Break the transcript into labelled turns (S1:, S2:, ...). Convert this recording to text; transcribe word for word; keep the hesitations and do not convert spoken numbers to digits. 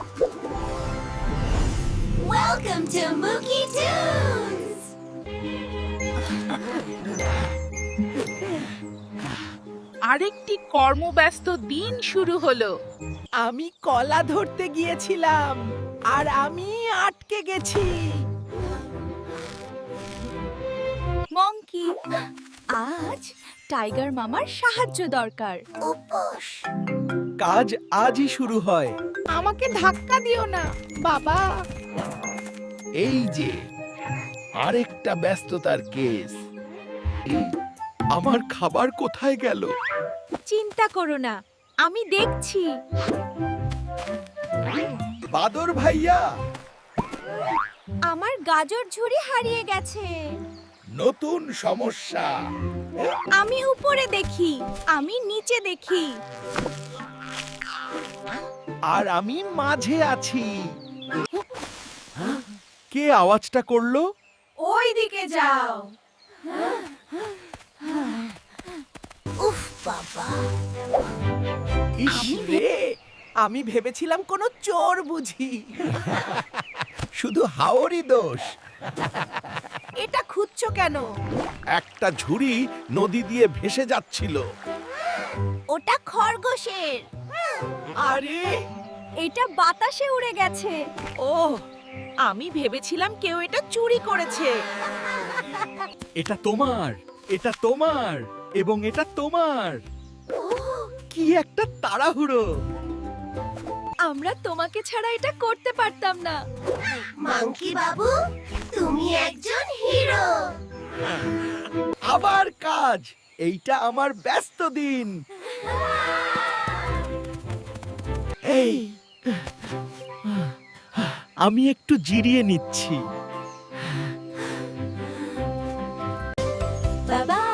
S1: Welcome to Mookie Tunes!
S2: আরেকটি কর্মব্যস্ত দিন শুরু হলো।
S3: আমি কলা ধরতে গিয়েছিলাম আর আমি আটকে গেছি।
S4: মঙ্কি, আজ টাইগার মামার সাহায্য দরকার।
S1: উপোস!
S3: কাজ আজই শুরু হয়। আমাকে ধাক্কা দিও না বাবা।
S5: এই যে আরেকটা ব্যস্ততার কেস। আমার খাবার কোথায় গেল?
S4: চিন্তা করো না, আমি দেখছি।
S5: বাদর ভাইয়া,
S4: আমার গাজর ঝুড়ি হারিয়ে গেছে।
S5: নতুন সমস্যা।
S4: আমি উপরে দেখি, আমি নিচে দেখি।
S3: আর আমি মাঝে আছি। কে আওয়াজটা করলো?
S4: ওই দিকে যাও।
S1: উফ বাবা!
S3: ইস রে, আমি ভেবেছিলাম কোনো চোর বুঝি।
S5: শুধু হাওরই দোষ।
S3: এটা খুঁজছো কেন?
S5: একটা ঝুড়ি নদী দিয়ে ভেসে যাচ্ছিল।
S4: ওটা খরগোশের।
S3: আরে
S4: এটা বাতাসে উড়ে গেছে।
S3: ও, আমি ভেবেছিলাম কেউ এটা চুরি করেছে। এটা তোমার, এটা তোমার এবং এটা তোমার। কি একটা তাড়াহুড়ো!
S4: আমরা তোমাকে ছাড়া এটা করতে পারতাম না।
S1: মাঙ্কি বাবু, তুমি একজন হিরো!
S3: আবার কাজ। এইটা আমার ব্যস্ত দিন। এই, আমি একটু জিরিয়ে নিচ্ছি।
S4: বাবা